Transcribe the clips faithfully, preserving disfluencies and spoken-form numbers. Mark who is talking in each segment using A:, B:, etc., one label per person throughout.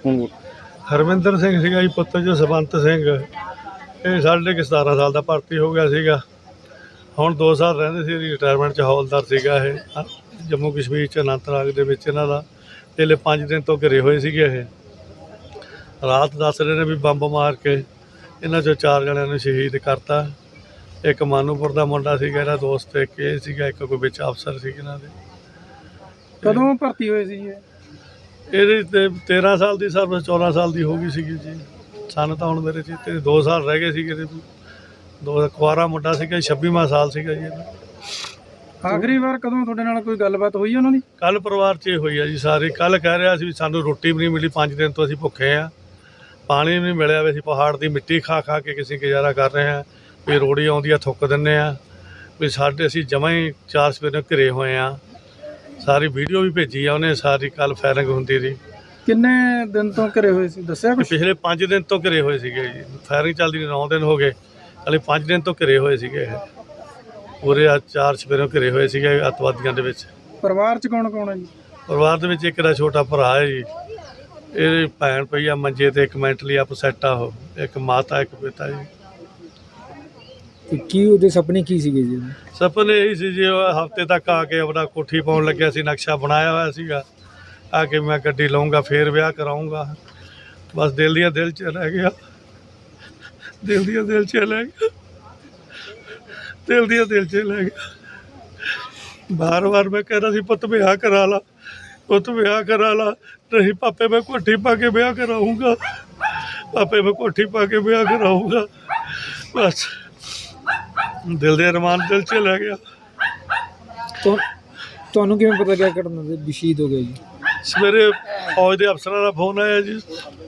A: ਹਰਮਿੰਦਰ ਸਿੰਘ ਸੀਗਾ ਜੀ, ਪੁੱਤਰ ਜਸਵੰਤ ਸਿੰਘ। ਇਹ ਸਾਢੇ ਕੁ ਸਤਾਰਾਂ ਸਾਲ ਦਾ ਭਰਤੀ ਹੋ ਗਿਆ ਸੀਗਾ। ਹੁਣ ਦੋ ਸਾਲ ਰਹਿੰਦੇ ਸੀ, ਰਿਟਾਇਰਮੈਂਟ 'ਚ ਹੌਲਦਾਰ ਸੀਗਾ ਇਹ ਜੰਮੂ ਕਸ਼ਮੀਰ 'ਚ ਅਨੰਤਨਾਗ ਦੇ ਵਿੱਚ। ਇਹਨਾਂ ਦਾ ਪਹਿਲੇ ਪੰਜ ਦਿਨ ਤੋਂ ਘਿਰੇ ਹੋਏ ਸੀਗੇ। ਇਹ ਰਾਤ ਦੱਸ ਰਹੇ ਨੇ ਵੀ ਬੰਬ ਮਾਰ ਕੇ ਇਹਨਾਂ 'ਚੋਂ ਚਾਰ ਜਣਿਆਂ ਨੂੰ ਸ਼ਹੀਦ ਕਰਤਾ। ਇੱਕ ਮਾਨੂਪੁਰ ਦਾ ਮੁੰਡਾ ਸੀਗਾ ਇਹਦਾ ਦੋਸਤ, ਇੱਕ ਇਹ ਸੀਗਾ, ਇੱਕ ਕੋਈ ਵਿੱਚ ਅਫਸਰ ਸੀ ਇਹਨਾਂ ਦੇ।
B: ਕਦੋਂ ਭਰਤੀ ਹੋਏ ਸੀ ਇਹ?
A: ਇਹਦੀ ਤੇ ਤੇਰਾਂ ਸਾਲ ਦੀ ਸਰਵਿਸ ਚੌਦਾਂ ਸਾਲ ਦੀ ਹੋ ਗਈ ਸੀਗੀ ਜੀ। ਸਾਨੂੰ ਤਾਂ ਹੁਣ ਮੇਰੇ ਚ ਤੇ ਦੋ ਸਾਲ ਰਹਿ ਗਏ ਸੀਗੇ। ਦੋ ਕੁਆਰਾ ਮੁੰਡਾ ਸੀਗਾ, ਛੱਬੀਵਾਂ ਸਾਲ ਸੀਗਾ ਜੀ ਇਹਦਾ।
B: ਆਖਰੀ ਵਾਰ ਕਦੋਂ ਤੁਹਾਡੇ ਨਾਲ ਕੋਈ ਗੱਲਬਾਤ ਹੋਈ ਉਹਨਾਂ ਦੀ?
A: ਕੱਲ੍ਹ ਪਰਿਵਾਰ 'ਚ ਇਹ ਹੋਈ ਆ ਜੀ ਸਾਰੀ। ਕੱਲ੍ਹ ਕਹਿ ਰਿਹਾ ਸੀ ਵੀ ਸਾਨੂੰ ਰੋਟੀ ਵੀ ਨਹੀਂ ਮਿਲੀ, ਪੰਜ ਦਿਨ ਤੋਂ ਅਸੀਂ ਭੁੱਖੇ ਆ, ਪਾਣੀ ਵੀ ਨਹੀਂ ਮਿਲਿਆ, ਵੀ ਅਸੀਂ ਪਹਾੜ ਦੀ ਮਿੱਟੀ ਖਾ ਖਾ ਕੇ ਕਿਸੇ ਗੁਜ਼ਾਰਾ ਕਰ ਰਹੇ ਹਾਂ, ਵੀ ਰੋੜੀ ਆਉਂਦੀ ਆ ਥੁੱਕ ਦਿੰਦੇ ਆ, ਵੀ ਸਾਡੇ ਅਸੀਂ ਜਮਾਂ ਹੀ ਚਾਰ ਸਵੇਰੇ ਘਿਰੇ ਹੋਏ ਆ। ਸਾਰੀ ਵੀਡੀਓ ਵੀ ਭੇਜੀ ਆ ਉਹਨੇ ਸਾਰੀ। ਕੱਲ੍ਹ ਫਾਇਰਿੰਗ ਹੁੰਦੀ ਰਹੀ।
B: ਕਿੰਨੇ ਦਿਨ ਤੋਂ ਘਰੇ ਹੋਏ ਸੀ ਦੱਸਿਆ ਕੁਛ?
A: ਪਿਛਲੇ ਪੰਜ ਦਿਨ ਤੋਂ ਘਿਰੇ ਹੋਏ ਸੀਗੇ ਜੀ। ਫਾਇਰਿੰਗ ਚੱਲਦੀ ਨੌ ਦਿਨ ਹੋ ਗਏ, ਹਾਲੇ ਪੰਜ ਦਿਨ ਤੋਂ ਘਿਰੇ ਹੋਏ ਸੀਗੇ ਇਹ ਪੂਰੇ। ਆ ਚਾਰ ਸਵੇਰੋਂ ਘਿਰੇ ਹੋਏ ਸੀਗੇ ਅੱਤਵਾਦੀਆਂ ਦੇ ਵਿੱਚ।
B: ਪਰਿਵਾਰ 'ਚ ਕੌਣ ਕੌਣ ਹੈ ਜੀ?
A: ਪਰਿਵਾਰ ਦੇ ਵਿੱਚ ਇੱਕ ਦਾ ਛੋਟਾ ਭਰਾ ਹੈ ਜੀ, ਇਹਦੀ ਭੈਣ ਪਈ ਆ ਮੰਜੇ ਤੇ, ਇੱਕ ਮੈਂਟਲੀ ਅਪਸੈਟ ਆ ਉਹ, ਇੱਕ ਮਾਤਾ ਇੱਕ ਪਿਤਾ ਜੀ।
B: ਕੀ ਉਹਦੇ ਸੁਪਨੇ ਕੀ ਸੀਗੇ ਜੀ?
A: ਸੁਪਨੇ ਇਹੀ ਸੀ ਜੀ, ਹਫ਼ਤੇ ਤੱਕ ਆ ਕੇ ਆਪਣਾ ਕੋਠੀ ਪਾਉਣ ਲੱਗਿਆ ਸੀ, ਨਕਸ਼ਾ ਬਣਾਇਆ ਹੋਇਆ ਸੀਗਾ, ਆ ਕੇ ਮੈਂ ਗੱਡੀ ਲਊਂਗਾ ਫੇਰ ਵਿਆਹ ਕਰਾਊਂਗਾ। ਬਸ ਦਿਲ ਦੀਆਂ ਦਿਲ 'ਚ ਰਹਿ ਗਿਆ, ਦਿਲ ਦੀਆਂ ਦਿਲ 'ਚ ਲੈ ਗਿਆ, ਦਿਲ ਦੀਆਂ ਦਿਲ 'ਚ ਲੈ ਗਿਆ। ਬਾਰ ਬਾਰ ਮੈਂ ਕਹਿੰਦਾ ਸੀ ਪੁੱਤ ਵਿਆਹ ਕਰਾ ਲਾ, ਪੁੱਤ ਵਿਆਹ ਕਰਾ ਲਾ। ਨਹੀਂ ਪਾਪੇ ਮੈਂ ਕੋਠੀ ਪਾ ਕੇ ਵਿਆਹ ਕਰਾਊਂਗਾ, ਪਾਪੇ ਮੈਂ ਕੋਠੀ ਪਾ ਕੇ ਵਿਆਹ ਕਰਾਊਂਗਾ। ਬਸ ਦਿਲ ਦੇ ਅਰਮਾਨ ਦਿਲ 'ਚ ਲੈ ਗਿਆ।
B: ਤੁਹਾਨੂੰ ਕਿਵੇਂ ਪਤਾ ਗਿਆ ਘਟਨਾ ਦੇ ਸ਼ਹੀਦ ਹੋ ਗਿਆ ਜੀ?
A: ਸਵੇਰੇ ਫੌਜ ਦੇ ਅਫਸਰਾਂ ਦਾ ਫੋਨ ਆਇਆ ਜੀ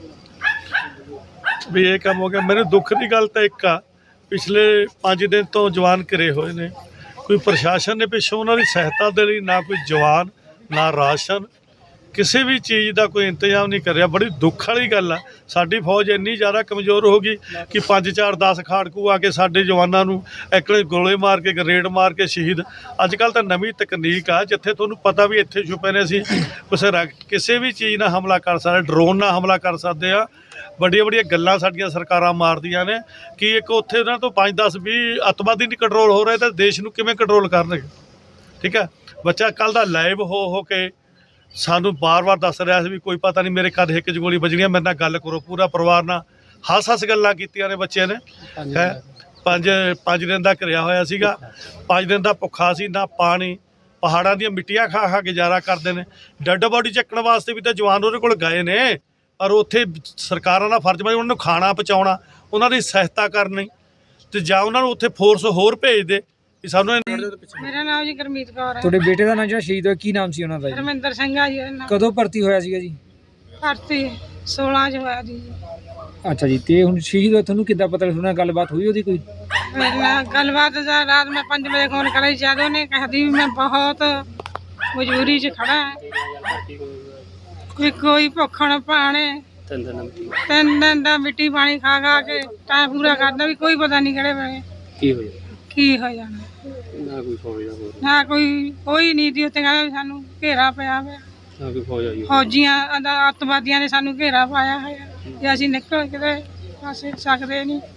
A: ਵੀ ਇਹ ਕੰਮ ਹੋ ਗਿਆ। ਮੈਨੂੰ ਦੁੱਖ ਦੀ ਗੱਲ ਤਾਂ ਇੱਕ ਆ, ਪਿਛਲੇ ਪੰਜ ਦਿਨ ਤੋਂ ਜਵਾਨ ਘਿਰੇ ਹੋਏ ਨੇ, ਕੋਈ ਪ੍ਰਸ਼ਾਸਨ ਨੇ ਪਿੱਛੋਂ ਉਹਨਾਂ ਦੀ ਸਹਾਇਤਾ ਦੇ ਲਈ ਨਾ ਕੋਈ ਜਵਾਨ, ਨਾ ਰਾਸ਼ਨ, ਕਿਸੇ ਵੀ ਚੀਜ਼ ਦਾ ਕੋਈ ਇੰਤਜ਼ਾਮ ਨਹੀਂ ਕਰਿਆ। ਬੜੀ ਦੁੱਖ ਵਾਲੀ ਗੱਲ ਆ। ਸਾਡੀ ਫੌਜ ਇੰਨੀ ਜ਼ਿਆਦਾ ਕਮਜ਼ੋਰ ਹੋ ਗਈ ਕਿ ਪੰਜ ਚਾਰ ਦਸ ਖਾੜਕੂ ਆ ਕੇ ਸਾਡੇ ਜਵਾਨਾਂ ਨੂੰ ਐਕਲੇ ਗੋਲੇ ਮਾਰ ਕੇ, ਗਰੇਡ ਮਾਰ ਕੇ ਸ਼ਹੀਦ। ਅੱਜ ਕੱਲ੍ਹ ਤਾਂ ਨਵੀਂ ਤਕਨੀਕ ਆ, ਜਿੱਥੇ ਤੁਹਾਨੂੰ ਪਤਾ ਵੀ ਇੱਥੇ ਛੁਪੇ ਨੇ, ਅਸੀਂ ਕਿਸੇ ਕਿਸੇ ਵੀ ਚੀਜ਼ ਨਾਲ ਹਮਲਾ ਕਰ ਸਕਦੇ, ਡਰੋਨ ਨਾਲ ਹਮਲਾ ਕਰ ਸਕਦੇ ਆ। ਵੱਡੀਆਂ ਵੱਡੀਆਂ ਗੱਲਾਂ ਸਾਡੀਆਂ ਸਰਕਾਰਾਂ ਮਾਰਦੀਆਂ ਨੇ ਕਿ ਇੱਕ ਉੱਥੇ ਉਹਨਾਂ ਤੋਂ ਪੰਜ ਦਸ ਵੀਹ ਅੱਤਵਾਦੀ ਨਹੀਂ ਕੰਟਰੋਲ ਹੋ ਰਹੇ ਤਾਂ ਦੇਸ਼ ਨੂੰ ਕਿਵੇਂ ਕੰਟਰੋਲ ਕਰਨਗੇ? ਠੀਕ ਹੈ, ਬੱਚਾ ਕੱਲ੍ਹ ਦਾ ਲਾਈਵ ਹੋ ਹੋ ਕੇ ਸਾਨੂੰ ਬਾਰ-ਬਾਰ ਦੱਸ ਰਿਹਾ ਸੀ ਵੀ ਕੋਈ ਪਤਾ ਨਹੀਂ ਮੇਰੇ ਕਦ ਹਿੱਕ 'ਚ ਗੋਲੀ ਵੱਜਣੀ ਆ, ਮੇਰੇ ਨਾਲ ਗੱਲ ਕਰੋ। ਪੂਰਾ ਪਰਿਵਾਰ ਨਾਲ ਹੱਸ ਹੱਸ ਗੱਲਾਂ ਕੀਤੀਆਂ ਨੇ ਬੱਚਿਆਂ ਨੇ। ਹੈ ਪੰਜ ਪੰਜ ਦਿਨ ਦਾ ਘਿਰਿਆ ਹੋਇਆ ਸੀਗਾ, ਪੰਜ ਦਿਨ ਦਾ ਭੁੱਖਾ ਸੀ, ਨਾ ਪਾਣੀ, ਪਹਾੜਾਂ ਦੀਆਂ ਮਿੱਟੀਆਂ ਖਾ ਖਾ ਗੁਜ਼ਾਰਾ ਕਰਦੇ ਨੇ। ਡੈੱਡ ਬੋਡੀ ਚੱਕਣ ਵਾਸਤੇ ਵੀ ਤਾਂ ਜਵਾਨ ਉਹਦੇ ਕੋਲ ਗਏ ਨੇ, ਪਰ ਉੱਥੇ ਸਰਕਾਰਾਂ ਦਾ ਫਰਜ਼ ਬਣਦਾ ਉਹਨਾਂ ਨੂੰ ਖਾਣਾ ਪਹੁੰਚਾਉਣਾ, ਉਹਨਾਂ ਦੀ ਸਹਾਇਤਾ ਕਰਨੀ, ਅਤੇ ਜਾਂ ਉਹਨਾਂ ਨੂੰ ਉੱਥੇ ਫੋਰਸ ਹੋਰ ਭੇਜ ਦੇ। ਸਾਨੂੰ
C: ਮੇਰਾ ਨਾਮ ਜੀ ਗੁਰਮੀਤ ਕੌਰ ਹੈ।
B: ਤੁਹਾਡੇ ਬੇਟੇ ਦਾ ਨਾਮ ਜਿਹੜਾ ਸ਼ਹੀਦ ਹੋਇਆ ਕੀ ਨਾਮ ਸੀ ਉਹਨਾਂ ਦਾ?
C: ਹਰਮਿੰਦਰ ਸਿੰਘ ਆ ਜੀ।
B: ਕਦੋਂ ਭਰਤੀ ਹੋਇਆ ਸੀਗਾ ਜੀ?
C: ਭਰਤੀ ਸੋਲਾਂ 'ਚ ਹੋਇਆ ਜੀ।
B: ਅੱਛਾ ਜੀ, ਤੇ ਹੁਣ ਸ਼ਹੀਦ ਹੋਇਆ ਤੁਹਾਨੂੰ ਕਿੱਦਾਂ ਪਤਾ? ਉਹਨਾਂ ਨਾਲ ਗੱਲਬਾਤ ਹੋਈ ਉਹਦੀ ਕੋਈ?
C: ਮੇਰੇ ਨਾਲ ਗੱਲਬਾਤ ਰਾਤ ਮੈਂ ਪੰਜ ਵਜੇ ਫੋਨ ਕਰਿਆ ਜਦ ਉਹਨੇ ਕਹਿੰਦੀ ਵੀ ਮੈਂ ਬਹੁਤ ਮਜਬੂਰੀ 'ਚ ਖੜਾ ਹਾਂ, ਵੀ ਕੋਈ ਭੁੱਖਣ ਭਾਣੇ ਤਿੰਨ ਦਿਨ ਦਾ ਮਿੱਟੀ ਪਾਣੀ ਖਾ ਖਾ ਕੇ ਟਾਈਮ ਪੂਰਾ ਕਰਦਾ, ਵੀ ਕੋਈ ਪਤਾ ਨਹੀਂ ਕਿਹੜੇ ਵੇਲੇ ਕੀ ਹੋ ਜਾਣਾ ਕੀ ਹੋ ਜਾਣਾ। ਨਾ ਕੋਈ ਫੌਜ ਨਾ ਕੋਈ ਕੋਈ ਨਹੀਂ ਜੀ ਉੱਥੇ। ਕਹਿੰਦਾ ਸਾਨੂੰ ਘੇਰਾ ਪਿਆ ਹੋਇਆ, ਨਾ ਕੋਈ ਫੌਜ ਆਈ, ਫੌਜੀਆਂ ਅੱਤਵਾਦੀਆਂ ਨੇ ਸਾਨੂੰ ਘੇਰਾ ਪਾਇਆ ਹੋਇਆ, ਜੇ ਅਸੀਂ ਨਿਕਲ ਕਿਤੇ ਪਾਸੇ ਸਕਦੇ ਨਹੀਂ।